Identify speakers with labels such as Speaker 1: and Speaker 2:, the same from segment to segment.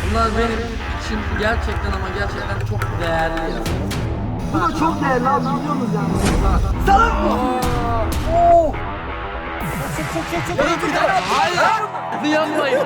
Speaker 1: Bunlar benim için gerçekten ama gerçekten çok değerli ya.
Speaker 2: Bu da çok değerli abi, biliyorsunuz yani. Salak mı? Oo.
Speaker 1: Hayır. Yanmayın.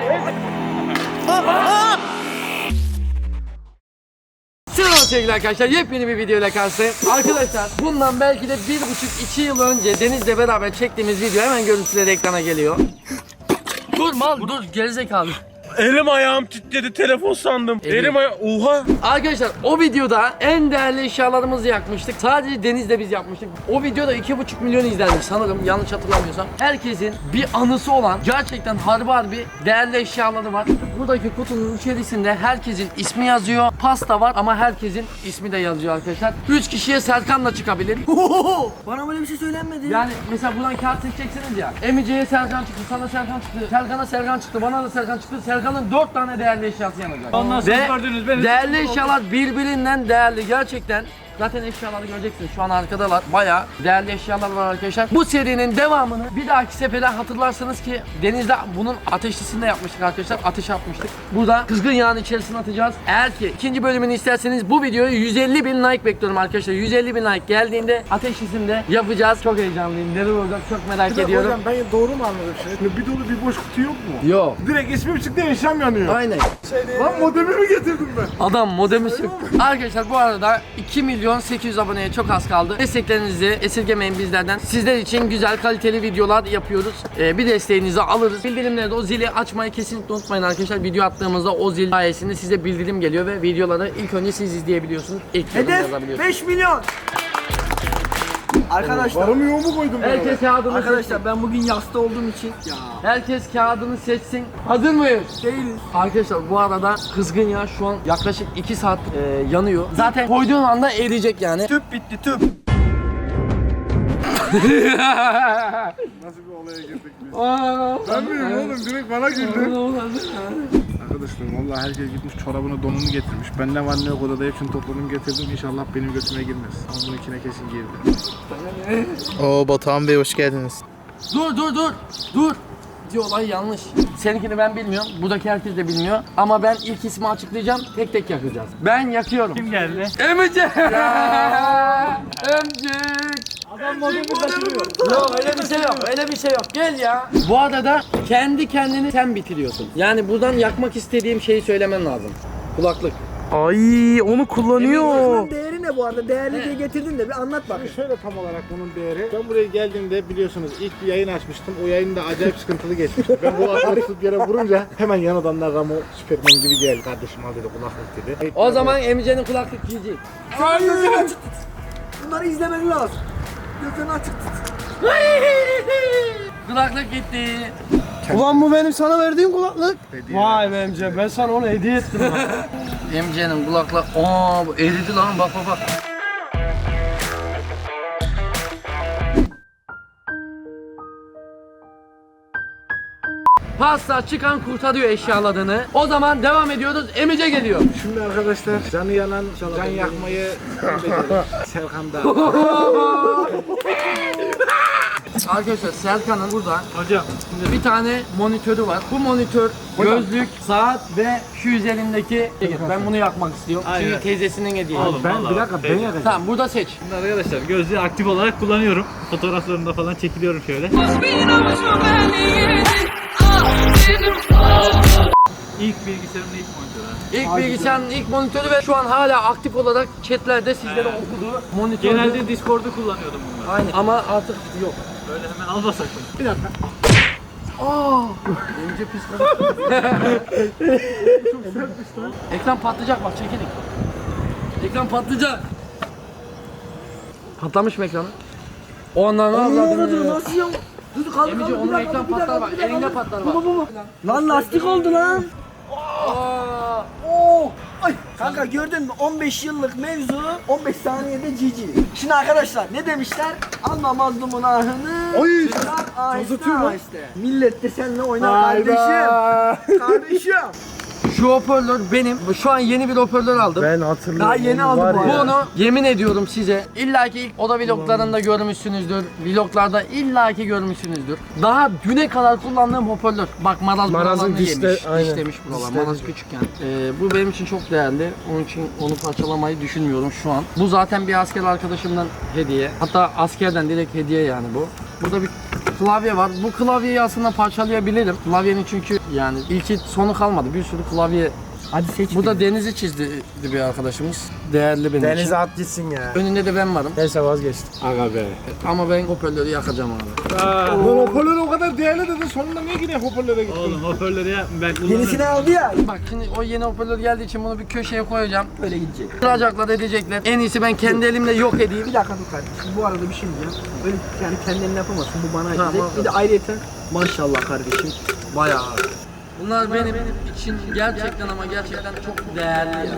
Speaker 1: Selam sevgili arkadaşlar, yepyeni bir video ile karşınızdayım. Arkadaşlar bundan belki de 1,5-2 yıl önce Deniz'le beraber çektiğimiz video hemen görüntüleri ekrana geliyor. Dur mal, dur gerizekalı.
Speaker 3: Elim ayağım titredi, telefon sandım. Elim ayağım, oha.
Speaker 1: Arkadaşlar o videoda en değerli eşyalarımızı yakmıştık. Sadece Deniz'le biz yapmıştık. O videoda 2,5 milyon izlenmiş sanırım, yanlış hatırlamıyorsam. Herkesin bir anısı olan gerçekten harbi değerli eşyaları var. Buradaki kutunun içerisinde herkesin ismi yazıyor. Pasta var ama herkesin ismi de yazıyor arkadaşlar. 3 kişiye Serkan'la çıkabilir.
Speaker 2: Bana böyle bir şey söylenmedi.
Speaker 1: Yani mesela buradan kağıt seçeceksiniz ya. Emice'ye Serkan çıktı, sana Serkan çıktı, Serkan'a Serkan çıktı, bana da Serkan çıktı. Serkan'ın 4 tane değerli eşyası yanacak.
Speaker 3: Ondan sonra
Speaker 1: Ve
Speaker 3: gördünüz beni.
Speaker 1: değerli eşyalar birbirinden değerli gerçekten. Zaten eşyaları göreceksiniz. Şu an arkadalar. Bayağı değerli eşyalar var arkadaşlar. Bu serinin devamını bir dahaki sefere hatırlarsınız ki Deniz'de bunun ateşlisini de yapmıştık arkadaşlar. Ateş atmıştık. Burada kızgın yağın içerisine atacağız. Eğer ki ikinci bölümünü isterseniz bu videoya 150.000 like bekliyorum arkadaşlar. 150.000 like geldiğinde ateşlisini de yapacağız. Çok heyecanlıyım. Neler olacak çok merak ediyorum.
Speaker 4: Hocam ben doğru mu anladım şimdi? Bir dolu bir boş kutu yok mu?
Speaker 1: Yok.
Speaker 4: Direkt ismim çıktı, eşyam yanıyor.
Speaker 1: Aynen.
Speaker 4: Lan modemi mi getirdim ben?
Speaker 1: Adam modemi söktü. Arkadaşlar bu arada 2.800.000 aboneye çok az kaldı. Desteklerinizi esirgemeyin bizlerden. Sizler için güzel kaliteli videolar yapıyoruz. Bir desteğinizi alırız. Bildirimleri de o zili açmayı kesinlikle unutmayın arkadaşlar. Video attığımızda o zil sayesinde size bildirim geliyor ve videoları ilk önce siz izleyebiliyorsunuz. İlk yorum
Speaker 2: Hedef
Speaker 1: yazabiliyorsunuz.
Speaker 2: 5 milyon. Arkadaşlar.
Speaker 4: Varımı yoğumu koydum ben.
Speaker 1: Herkes kağıdını seçsin.
Speaker 2: Arkadaşlar ben bugün yasta olduğum için ya
Speaker 1: Herkes kağıdını seçsin. Hazır mıyız?
Speaker 2: değiliz.
Speaker 1: Arkadaşlar bu arada kızgın yağ şu an yaklaşık 2 saat yanıyor. Zaten koyduğun anda eriyecek yani.
Speaker 2: Tüp bitti, tüp.
Speaker 4: Nasıl bir olaya girdik biz? Ben miyim oğlum? Direkt bana güldü. Arkadaşlar vallahi herkes gitmiş çorabını donunu getirmiş. Ben ne var ne yok odada hepsini topladım getirdim. İnşallah benim götüme girmez. Ama bununkine kesin girdi.
Speaker 5: Oo Batuhan Bey hoş geldiniz.
Speaker 1: Dur. Diyor olay yanlış. Seninkini ben bilmiyorum. Buradaki herkes de bilmiyor. Ama ben ilk ismi açıklayacağım. Tek tek yakacağız. Ben yakıyorum.
Speaker 3: Kim geldi?
Speaker 1: Emice. Emcik.
Speaker 3: Adam modemi kaçırıyor.
Speaker 1: Yok öyle bir şey yok. Gel ya. Bu arada kendi kendini sen bitiriyorsun. Yani buradan yakmak istediğim şeyi söylemen lazım. Kulaklık.
Speaker 5: Ay onu kullanıyor.
Speaker 2: Bunun değeri ne bu arada? Değerli diye getirdin de bir anlat bak.
Speaker 4: Şöyle tam olarak bunun değeri. Ben buraya geldiğimde biliyorsunuz ilk bir yayın açmıştım. O yayın da acayip sıkıntılı geçmişti. Ben kulaklığı tutup yere vurunca hemen yan adamlar Ramo Süperman gibi geldi. Kardeşim al dedi kulaklık dedi.
Speaker 1: O zaman Emice'nin kulaklık giyecek.
Speaker 2: Gözünü açık tut. Bunları izlemen lazım. Gözünü açık tut.
Speaker 1: Kulaklık gitti.
Speaker 5: Ulan bu benim sana verdiğim kulaklık.
Speaker 3: Vay be Emce, ben sana onu hediye ettim.
Speaker 1: Emice'nin kulaklık. Aa bu eridi lan bak. Pasta çıkan kurtarıyor eşyaladığını. O zaman devam ediyoruz. Emice geliyor.
Speaker 4: Şimdi arkadaşlar canı yanan can yakmayı Serkan'da.
Speaker 1: Arkadaşlar Serkan'ın burada
Speaker 3: Hocam.
Speaker 1: bir tane monitörü var. Bu monitör, gözlük, saat ve şu üzerindeki ben bunu yakmak istiyorum.
Speaker 3: Aynen.
Speaker 1: Çünkü teyzesinin hediyesi.
Speaker 3: Oğlum,
Speaker 4: Ben
Speaker 3: vallahi
Speaker 4: bir dakika ben
Speaker 3: teyze.
Speaker 4: yakacağım.
Speaker 1: Tamam burada seç.
Speaker 3: Şimdi arkadaşlar gözlüğü aktif olarak kullanıyorum. Fotoğraflarında falan çekiliyorum şöyle. İlk bilgisayarımın ilk monitörü.
Speaker 1: İlk bilgisayarın ilk monitörü ve şu an hala aktif olarak chatlerde sizlere okuduğu monitör.
Speaker 3: Genelde Discord'u kullanıyordum bunları.
Speaker 1: Aynı ama artık yok.
Speaker 3: Böyle hemen alma sakın.
Speaker 4: Bir dakika.
Speaker 1: Önce pis. Ekran patlayacak bak çekilin. Ekran patlayacak. Patlamış mı ekranı? O andan
Speaker 2: Nasıl ya? Dur kaldı
Speaker 1: Emici
Speaker 2: kaldı.
Speaker 1: onun ekran patlar bak. Elinde patlar bak.
Speaker 2: Bu. Lan lastik oldu lan.
Speaker 1: Aa,
Speaker 2: Oo! Ay kanka gördün mü 15 yıllık mevzu 15 saniyede cici. Şimdi arkadaşlar ne demişler? Alma mazlumun ahını.
Speaker 4: Oy!
Speaker 2: Çıkar ahiste
Speaker 4: Uzatıyor lan.
Speaker 2: ahiste. Millet de seninle oynar kardeşim. Kardeşim.
Speaker 1: Şu hoparlör benim. Şu an yeni bir hoparlör aldım.
Speaker 5: Ben hatırlıyorum.
Speaker 2: Daha yeni aldım
Speaker 5: Var
Speaker 2: bu
Speaker 5: ya.
Speaker 1: Bunu yemin ediyorum size illaki ilk oda vloglarında görmüşsünüzdür. Vloglarda illaki görmüşsünüzdür. Daha düne kadar kullandığım hoparlör. Bak maraz
Speaker 5: Marazın
Speaker 1: buralarını
Speaker 5: dişle-
Speaker 1: yemiş.
Speaker 5: aynen.
Speaker 1: Dişlemiş buralar.
Speaker 5: Dişlemiş.
Speaker 1: Maraz küçükken. Bu benim için çok değerli. Onun için onu parçalamayı düşünmüyorum şu an. Bu zaten bir asker arkadaşımdan hediye. Hatta askerden direkt hediye yani bu. Burada bir klavye var. Bu klavyeyi aslında parçalayabilirim. Klavyenin çünkü yani ilki sonu kalmadı. Bir sürü klavye.
Speaker 2: Hadi seç.
Speaker 1: Bu da Deniz'i çizdi bir arkadaşımız. Değerli benim için.
Speaker 5: Denize at gitsin ya.
Speaker 1: Önünde de ben varım.
Speaker 5: Neyse vazgeçtim.
Speaker 3: Aga be.
Speaker 1: Ama ben hoparlörü yakacağım abi.
Speaker 4: Lan hoparlör o kadar değerli dedi. Sonunda niye yine hoparlöre gittin?
Speaker 3: Oğlum hoparlörü ya ben kullanırım.
Speaker 2: Yenisini aldı ya.
Speaker 1: Bak şimdi o yeni hoparlör geldiği için bunu bir köşeye koyacağım.
Speaker 2: Böyle gidecek.
Speaker 1: Kıracaklar edecekler. En iyisi ben kendi elimle yok edeyim.
Speaker 2: Bir dakika dur kardeşim. Bu arada bir şey diyeceğim. Böyle yani kendin yapamazsın. Bu bana
Speaker 1: Tamam,
Speaker 2: gidecek. Bir de ayrıyeten maşallah kardeşim.
Speaker 1: Bayağı. Bunlar benim için gerçekten ama gerçekten çok değerli yani.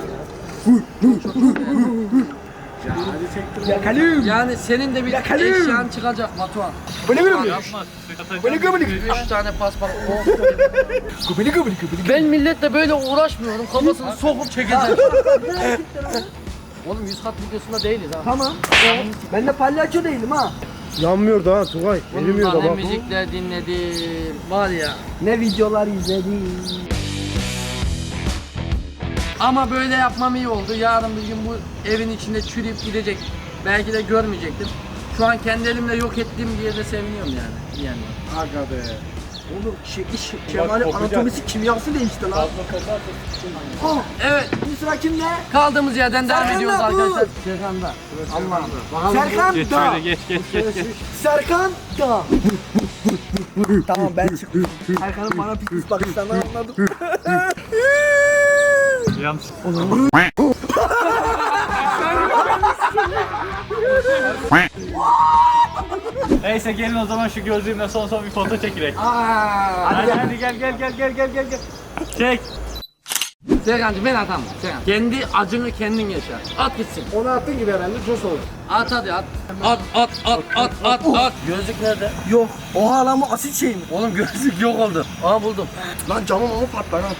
Speaker 2: Yakalım.
Speaker 1: Yani senin de bir
Speaker 2: Yakalım.
Speaker 1: eşyan çıkacak Batuhan.
Speaker 2: Böyle böyle mi?
Speaker 3: Yapma.
Speaker 2: Böyle gömülük.
Speaker 1: 3 tane paspas.
Speaker 2: Kubili kubili kubili.
Speaker 1: Ben milletle böyle uğraşmıyorum. Kafasını sokup çekeceğim. Oğlum 100 kat videosunda değiliz ha.
Speaker 2: Tamam. Ben de palyaço değilim ha.
Speaker 5: Yanmıyor daha Tugay. Erimiyor da
Speaker 1: Bundan ne
Speaker 5: bak.
Speaker 1: müzikler dinledim. Var ya.
Speaker 2: Ne videolar izledim.
Speaker 1: Ama böyle yapmam iyi oldu. Yarın bir gün bu evin içinde çürüyüp gidecek. Belki de görmeyecektim. Şu an kendi elimle yok ettiğim diye de seviniyorum yani. Bir yandan.
Speaker 4: Aga be.
Speaker 2: Oğlum Kemal'in anatomisi kimyası değişti lan. Oh,
Speaker 1: Evet,
Speaker 2: şimdi sıra kimde?
Speaker 1: kaldığımız yerden devam
Speaker 2: Serkan
Speaker 1: ediyoruz
Speaker 2: da bu.
Speaker 1: arkadaşlar. Serkan'da. Allah'ım. Bakalım.
Speaker 2: Serkan
Speaker 3: Geç
Speaker 2: da.
Speaker 3: şöyle geç.
Speaker 2: Serkan da. Tamam ben çıktım. Serkan'ın bana pis pis bakışlarından anladım.
Speaker 3: Yanlış. Neyse gelin o zaman şu gözlüğümle son bir foto çekilek. Hadi gel. Çek.
Speaker 1: Serkan'cığım ben atamam. Serkan. Kendi acını kendin yaşa. At gitsin.
Speaker 4: Onu attın gibi herhalde çok oldu.
Speaker 1: At hadi at. At. Gözlük nerede?
Speaker 2: Yok. Oha lan bu asit şey mi?
Speaker 1: Oğlum gözlük yok oldu. Aa buldum.
Speaker 2: Lan camım ama patlar ha.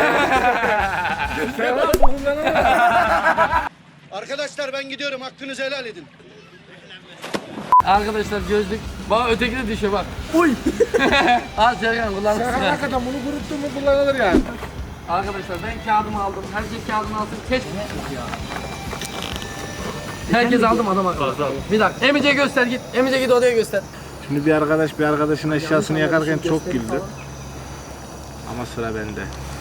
Speaker 6: Arkadaşlar ben gidiyorum. Hakkınızı helal edin.
Speaker 1: Arkadaşlar gözlük. Bak öteki de düşüyor bak.
Speaker 2: Uy.
Speaker 1: Al Serkan kullanırsın.
Speaker 4: Hakikaten bunu kuruttun mu kullanılır yani.
Speaker 1: Arkadaşlar ben kağıdımı aldım. Herkes kağıdını alsın. Keşke ya. Herkes aldım adam akıllı.
Speaker 3: Fazla.
Speaker 1: Bir dakika. Emice göster git. Emice git odaya göster.
Speaker 4: Şimdi bir arkadaş bir arkadaşın eşyasını yakarken çok güldü. Ama sıra bende.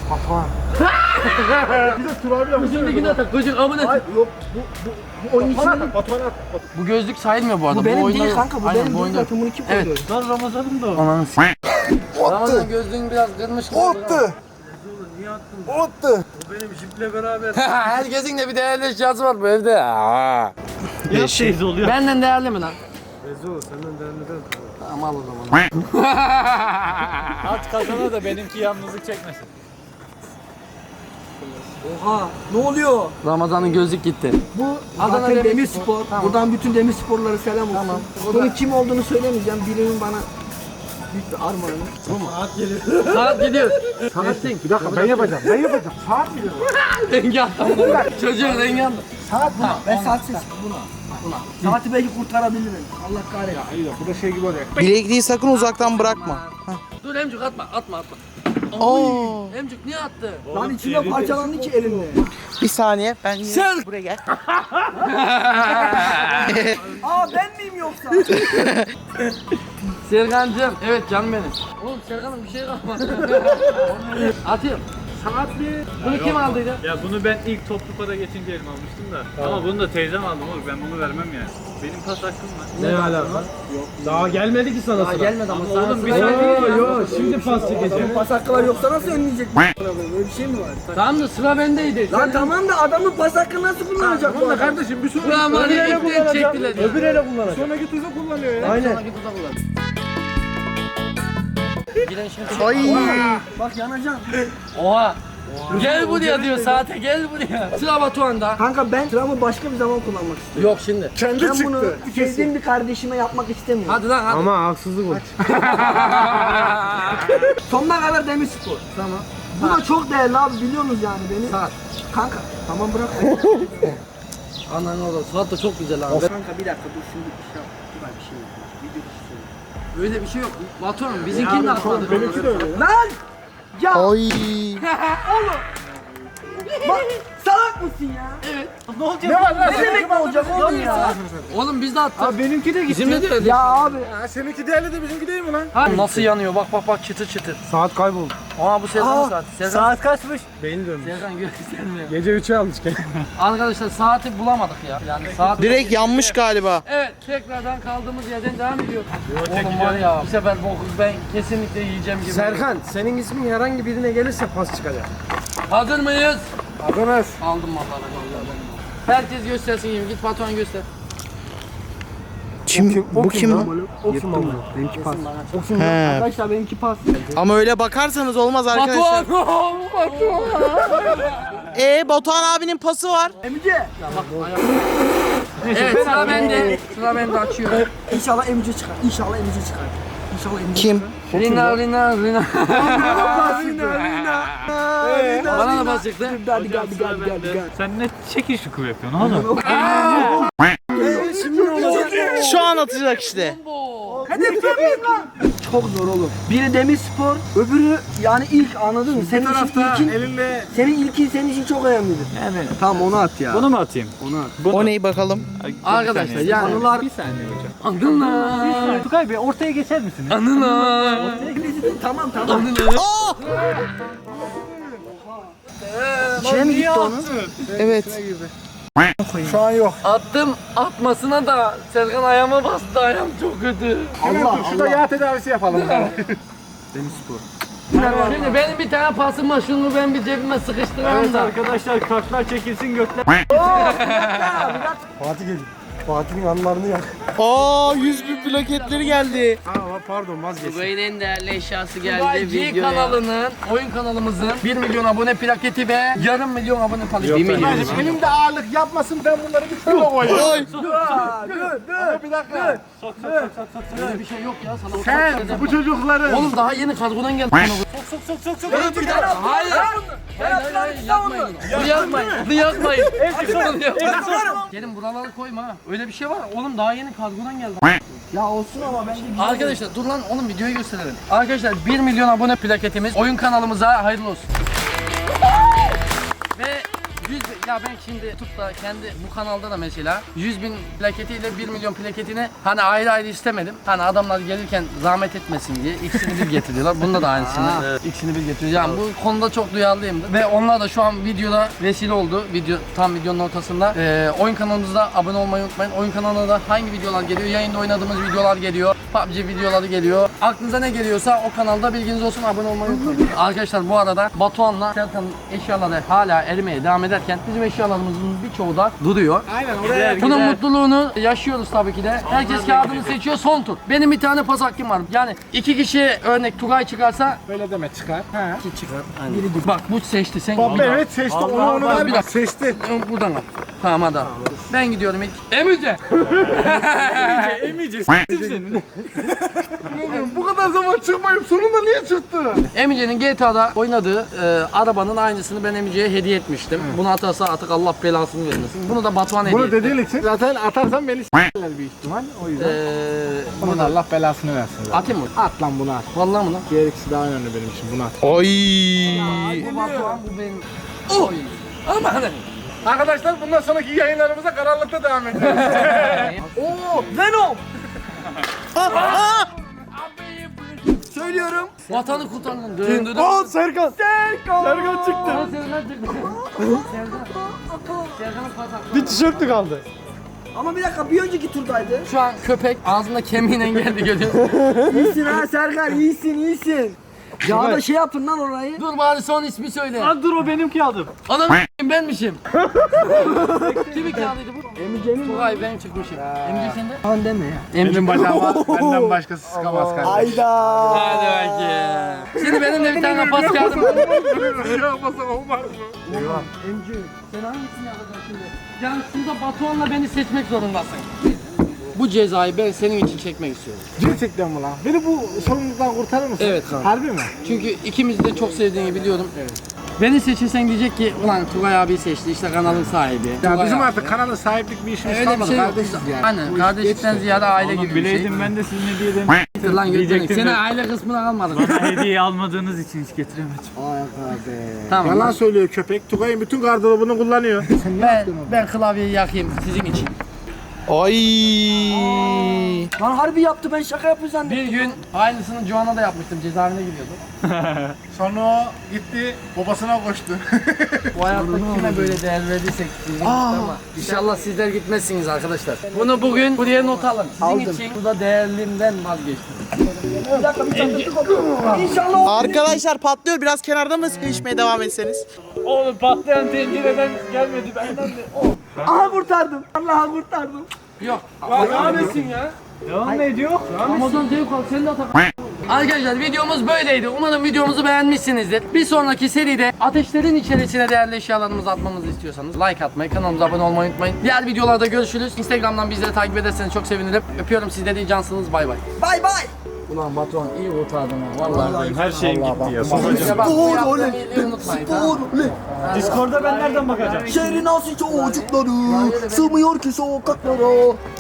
Speaker 1: Gözümdekini atak. Gözün amına.
Speaker 2: Ay yok bu oyun içinde.
Speaker 1: Bu gözlük sayılmıyor bu arada.
Speaker 2: Bu benim
Speaker 1: oyunda
Speaker 2: değil
Speaker 1: yok.
Speaker 2: kanka bu
Speaker 1: Aynen,
Speaker 2: benim
Speaker 1: bu
Speaker 2: değil
Speaker 1: oyunda yok.
Speaker 2: zaten bunu kim
Speaker 1: Evet.
Speaker 2: koyuyor?
Speaker 3: Lan Ramazan'ım da o.
Speaker 1: Ananı s***. Ramazan gözlüğün biraz kırmış.
Speaker 5: Attı. Attı.
Speaker 1: Herkesin de bir değerli eşyası var bu evde. Aa.
Speaker 3: Yap teyze oluyor.
Speaker 1: Benden değerli mi lan?
Speaker 5: Ezo senden değerli değil.
Speaker 1: Tamam al o zaman.
Speaker 3: At kazana da benimki yalnızlık çekmesin.
Speaker 2: Oha ne oluyor?
Speaker 1: Ramazan'ın gözlük gitti.
Speaker 2: Bu
Speaker 1: Adana
Speaker 2: zaten
Speaker 1: Demirspor.
Speaker 2: Demirspor.
Speaker 1: Tamam.
Speaker 2: Buradan bütün Demirsporlara selam olsun.
Speaker 1: Tamam.
Speaker 2: Bunun kim olduğunu söylemeyeceğim. Birinin bana büyük bir armağanı.
Speaker 1: Saat gidiyor. Saatsin.
Speaker 4: Bir dakika ben yapacağım. Saat mi diyor?
Speaker 1: Rengi attım. Çocuğun rengi attım.
Speaker 2: Saat buna. Ben saatsiz. Buna. Saati belki kurtarabilirim. Allah kahretsin.
Speaker 4: İyi de bu da şey gibi oluyor.
Speaker 5: Bilekliği sakın uzaktan bırakma.
Speaker 1: Dur Emcuk atma.
Speaker 5: Oo.
Speaker 1: Emcuk niye attı?
Speaker 2: Lan içinde parçalandı ki elimle.
Speaker 5: Bir saniye ben
Speaker 1: Sen-
Speaker 5: buraya gel.
Speaker 2: Aa ben miyim yoksa?
Speaker 1: Serkan'cığım. Evet canım benim. Oğlum Serkan'ın bir şey kalmadı. Atıyorum. Saat mi? Bunu kim aldıydı?
Speaker 3: Ya bunu ben ilk toplu para geçince elime almıştım da. Ama bunu da teyzem aldım oğlum. Ben bunu vermem yani. Benim pas hakkım var.
Speaker 5: Ne alaka? Daha gelmedi ki sana
Speaker 1: Daha gelmedi ama sana
Speaker 3: Oğlum bir
Speaker 1: sıra
Speaker 3: saniye
Speaker 1: geldi.
Speaker 3: ya.
Speaker 5: Yo şimdi pas çekeceğim.
Speaker 2: Pas hakkı var yoksa nasıl önleyecek? Böyle bir şey mi var?
Speaker 1: Tamam da sıra bendeydi.
Speaker 2: Lan tamam da adamın pas hakkı nasıl kullanacak bu adam?
Speaker 4: Kardeşim bir sonraki
Speaker 1: Ulan var ya ipten çektiler ya.
Speaker 5: Öbür ele kullanacak.
Speaker 4: sonraki tuzu kullanıyor ya.
Speaker 5: Aynen.
Speaker 1: Sonraki tuza kullan. Giren şimdi.
Speaker 5: Ay.
Speaker 2: Bak yanacağım.
Speaker 1: Oha. Gel buraya diyor saate gel buraya. Sıra Batuhan'da.
Speaker 2: Kanka ben sıramı başka bir zaman kullanmak istiyorum.
Speaker 1: Yok şimdi.
Speaker 4: Kendi
Speaker 2: Ben bunu
Speaker 4: çıktı.
Speaker 2: sevdiğim bir kardeşime yapmak istemiyorum.
Speaker 1: Hadi lan hadi.
Speaker 5: Ama haksızlık var.
Speaker 2: Sonuna kadar Demirspor. Tamam. Bu da çok değerli abi biliyorsunuz yani beni.
Speaker 1: Saat.
Speaker 2: Kanka tamam bırak.
Speaker 1: Anan oğlum saat da çok güzel abi.
Speaker 2: Kanka bir dakika dur şimdi bir şey yap. Dur bir şey yok. Video dışı söyle.
Speaker 1: Öyle bir şey yok. Batuhan bizimkini de atmadı.
Speaker 4: Benimki de öyle.
Speaker 2: Lan! Ya
Speaker 5: Oy.
Speaker 2: bak salak mısın ya?
Speaker 1: Evet.
Speaker 4: Ne var lan?
Speaker 2: Ne demek ne olacak oğlum ya?
Speaker 1: Oğlum biz de attık.
Speaker 3: Abi benimki de gitti.
Speaker 1: Bizim de öyle.
Speaker 2: Ya abi.
Speaker 4: Ha, seninki değerli de bizimki değil mi lan?
Speaker 1: Ha, nasıl yanıyor? Bak bak bak çıtır çıtır.
Speaker 5: Saat kayboldu.
Speaker 1: Aa bu Serkan'ın saati. Serkan,
Speaker 3: Saat kaçmış?
Speaker 5: Beyni dönmüş.
Speaker 1: Serkan göstermiyor.
Speaker 5: Gece 3'e almış gel.
Speaker 1: Arkadaşlar saati bulamadık ya. Yani saat...
Speaker 5: Direkt yanmış galiba.
Speaker 1: Evet tekrardan kaldığımız yerden devam ediyor. Oğlum var ya bu sefer boku ben kesinlikle yiyeceğim gibi.
Speaker 5: Serkan senin ismin herhangi birine gelirse pas çıkacak.
Speaker 1: Hazır mıyız?
Speaker 4: Adamız.
Speaker 1: Aldım vallahi. Herkes göstersin gibi. Git Batuhan göster.
Speaker 5: Kim? Bu kim lan?
Speaker 2: O kim ama?
Speaker 5: Benimki pas.
Speaker 2: O kim lan?
Speaker 5: He.
Speaker 2: Arkadaşlar benimki pas.
Speaker 5: Ama öyle bakarsanız olmaz arkadaşlar.
Speaker 1: Batuhan!
Speaker 5: Batuhan abinin pası var.
Speaker 2: Emice.
Speaker 1: Evet sıra bende. Sıra bende açıyorum.
Speaker 2: İnşallah Emice çıkar. İnşallah Emice çıkar. İnşallah Emice
Speaker 5: Kim?
Speaker 1: Rina.
Speaker 2: çıkar.
Speaker 1: Bana da bas çıktı.
Speaker 2: Hadi gel.
Speaker 3: Sen ne çekil şuku yapıyorsun oğlum?
Speaker 5: Şu an atacak işte.
Speaker 2: Hedef kemiğim lan. Çok zor oğlum. Biri Demirspor, öbürü yani ilk anladın mı? Senin için
Speaker 4: Tarafta
Speaker 2: ilkin,
Speaker 4: elinle
Speaker 2: senin ilkin senin için çok önemlidir.
Speaker 3: Evet.
Speaker 2: Tamam onu at ya.
Speaker 3: Bunu mu atayım?
Speaker 5: O neyi bakalım?
Speaker 1: Arkadaşlar yani
Speaker 2: Anılar
Speaker 3: Bir saniye hocam.
Speaker 1: Anılar.
Speaker 3: Tukay Bey ortaya geçer misiniz?
Speaker 1: Anılar.
Speaker 2: tamam.
Speaker 5: Oh!
Speaker 2: İçine mi gitti onun?
Speaker 5: Evet.
Speaker 4: şu an yok.
Speaker 1: Attım atmasına da Serkan ayağıma bastı, ayağım çok kötü.
Speaker 4: Hemen dur şurada yağ tedavisi yapalım.
Speaker 1: Şimdi benim bir tane pasım var, şunu ben bir cebime sıkıştırayım
Speaker 3: Evet
Speaker 1: da.
Speaker 3: arkadaşlar kartlar çekilsin gökler.
Speaker 5: Fatih'in anılarını yak. Aa 100.000 plaketleri geldi.
Speaker 4: Pardon vazgeç.
Speaker 1: Tugay'ın en değerli eşyası geldi videoya. kanalının, oyun kanalımızın 1 milyon abone plaketi ve yarım milyon abone plaketi. 1 milyon.
Speaker 4: Elimde ağırlık yapmasın ben bunları bir kilo koyayım.
Speaker 5: Oy.
Speaker 4: Ama bir dakika.
Speaker 1: Öyle bir şey yok ya sana.
Speaker 4: Sen bu çocukların
Speaker 1: Oğlum daha yeni kargodan geldi.
Speaker 4: sok.
Speaker 1: Hayır. Hayır yapmayın. Bunu yapmayın. Bunu yapmayın. Bunu yapmayın. Gelin buraları koyma ha. Öyle bir şey var. Oğlum daha yeni kargodan geldi.
Speaker 2: Ya olsun ama bence güzel.
Speaker 1: Arkadaşlar dur lan oğlum videoyu gösterelim. Arkadaşlar 1 milyon abone plaketimiz oyun kanalımıza hayırlı olsun. Ve 100 ya ben şimdi tutup da kendi bu kanalda da mesela 100.000 plaketiyle 1 milyon plaketini hani ayrı ayrı istemedim. Hani adamlar gelirken zahmet etmesin diye ikisini bir getiriyorlar. Bunda da aynısını ikisini bir getiriyor. Yani bu konuda çok duyarlıyımdır. Ve onlar da şu an videoda vesile oldu. Tam videonun ortasında. Oyun kanalımızda abone olmayı unutmayın. Oyun kanalına da hangi videolar geliyor? Yayında oynadığımız videolar geliyor. PUBG videoları geliyor. Aklınıza ne geliyorsa o kanalda bilginiz olsun, abone olmayı unutmayın. Arkadaşlar bu arada Batuhan'la Serkan'ın eşyaları hala erimeye devam ederken bizim eşyalarımızın birçoğu da duruyor.
Speaker 4: aynen oraya
Speaker 1: Bunun mutluluğunu yaşıyoruz tabii ki de. Herkes kağıdını seçiyor, son tur. Benim bir tane pas hakkım var. Yani 2 kişi örnek Tugay çıkarsa
Speaker 4: böyle deme çıkar. He.
Speaker 1: bak bu seçti sen.
Speaker 4: Bak evet seçti onu
Speaker 1: bir
Speaker 4: verme.
Speaker 1: dakika.
Speaker 4: Seçti.
Speaker 1: Buradan al. Tamam hadi al. Ben gidiyorum ilk. Emice.
Speaker 3: Emeyeceğiz.
Speaker 4: Bu kadar zaman çıkmayıp sonunda niye çıktı?
Speaker 1: Emice'nin GTA'da oynadığı arabanın aynısını ben Emice'ye hediye etmiştim. Bunu atarsa artık Allah belasını vermesin. Bunu da Batuhan hediye
Speaker 4: Bunu
Speaker 1: etti.
Speaker 4: dediğin için zaten atarsan beni s**ler büyük ihtimal. O yüzden. Bunun da Allah belasını versin zaten.
Speaker 1: Atayım mı?
Speaker 4: At lan bunu at.
Speaker 1: Vallahi mı lan?
Speaker 4: Gereksiz daha önemli benim için bunu at.
Speaker 5: Oy.
Speaker 1: Bu Batuhan bu benim. Oy. Aman.
Speaker 4: Arkadaşlar bundan sonraki yayınlarımıza karanlıkta devam edeceğiz.
Speaker 2: Oo Venom. Söylüyorum.
Speaker 1: Vatanı kurtardın. Dön.
Speaker 4: Serkan. Serkan çıktı.
Speaker 1: Serkan çıktı. Serkan'ın pas hakkı.
Speaker 5: Bir tişörtü kaldı.
Speaker 2: Ama bir dakika bir önceki turdaydı.
Speaker 1: Şu an köpek ağzında kemiğine geldi görüyorsun.
Speaker 2: İyisin ha Serkan iyisin. Ya da şey yapın lan orayı.
Speaker 1: Dur bari son ismi söyle.
Speaker 3: Lan dur o benimki aldım.
Speaker 1: Anam benmişim. Kimin kağıdıydı bu?
Speaker 2: Emice'nin
Speaker 1: Tugay ben çıkmışım. Emice sende?
Speaker 2: Lan deme ya.
Speaker 4: Benim bacağıma benden başkası sıkamaz kardeşim.
Speaker 2: Ayda.
Speaker 1: Hadi bakayım. Şimdi benim de bir tane pas kağıdım var.
Speaker 4: Yapmasam olmaz mı?
Speaker 2: Emice sen hangisini yapacaksın şimdi?
Speaker 1: Yani şurada Batuhan'la beni seçmek zorundasın. bu cezayı ben senin için çekmek istiyorum.
Speaker 4: Gerçekten mi lan? Beni bu sorumluluktan kurtarır mısın?
Speaker 1: Evet kanka.
Speaker 4: Harbi mi?
Speaker 1: Çünkü ikimiz de çok sevdiğini biliyorum. Beni seçirsen diyecek ki ulan Tugay abi seçti işte kanalın sahibi.
Speaker 4: Ya
Speaker 1: Tugay
Speaker 4: bizim
Speaker 1: abi.
Speaker 4: artık kanalın sahiplik bir işimiz
Speaker 1: Öyle bir
Speaker 4: kalmadı
Speaker 1: şey yok.
Speaker 4: kardeşiz yani.
Speaker 1: Aynen
Speaker 4: Bu iş
Speaker 1: kardeşlikten
Speaker 4: geçti.
Speaker 1: ziyade aile gibi
Speaker 3: Oğlum
Speaker 1: bir şey.
Speaker 3: bileydim ben de siz ne diyelim.
Speaker 1: Lan götürün.
Speaker 3: Diyecektim
Speaker 1: Seni
Speaker 3: de.
Speaker 1: aile kısmına kalmadık.
Speaker 3: Bana hediye almadığınız için hiç getiremedim.
Speaker 1: Tamam.
Speaker 4: Yalan söylüyor köpek. Tugay'ın bütün gardırobunu kullanıyor.
Speaker 1: Ben klavyeyi yakayım sizin için.
Speaker 5: Ay.
Speaker 2: Lan harbi yaptı, ben şaka yapıyor zannettim.
Speaker 1: Bir gün aynısını Joan'a da yapmıştım. Cezaevine gidiyordum.
Speaker 4: Sonra o gitti babasına koştu.
Speaker 1: Bu hayatta kime böyle değer verdiysek bizim ama inşallah sizler gitmezsiniz arkadaşlar. Bunu bugün buraya not alın. Sizin için bu da değerlimden vazgeçtim.
Speaker 2: Bir dakika, bir çatırtık oldu. İnşallah o.
Speaker 5: Arkadaşlar patlıyor. Biraz kenarda mı içmeye devam etseniz?
Speaker 3: Oğlum patlayan tencereden gelmedi benden de.
Speaker 2: Aha kurtardım. Allah'a kurtardım.
Speaker 1: Yok. Devam etsin ya.
Speaker 3: Devam ediyor.
Speaker 1: Ramazan zevk al sen de atak. Arkadaşlar videomuz böyleydi. Umarım videomuzu beğenmişsinizdir. Bir sonraki seride ateşlerin içerisine değerli eşyalarımızı atmamızı istiyorsanız like atmayı, kanalımıza abone olmayı unutmayın. Diğer videolarda görüşürüz. Instagram'dan bizleri takip ederseniz çok sevinirim. Öpüyorum sizleri, iyi cansınız. Bay bay.
Speaker 2: Bay bay.
Speaker 1: Ulan Batuhan iyi kurtardın ha. Vallahi.
Speaker 3: Her şeyim gitti ya.
Speaker 1: Size bak, bu
Speaker 2: Spor
Speaker 1: yaptığım
Speaker 2: oley.
Speaker 1: iyiliği unutmayın. tamam mı?
Speaker 2: Spor oley.
Speaker 3: Discord'da ben nereden bakacağım?
Speaker 2: Şehrin asıl çocukları sığmıyor ki sokaklara.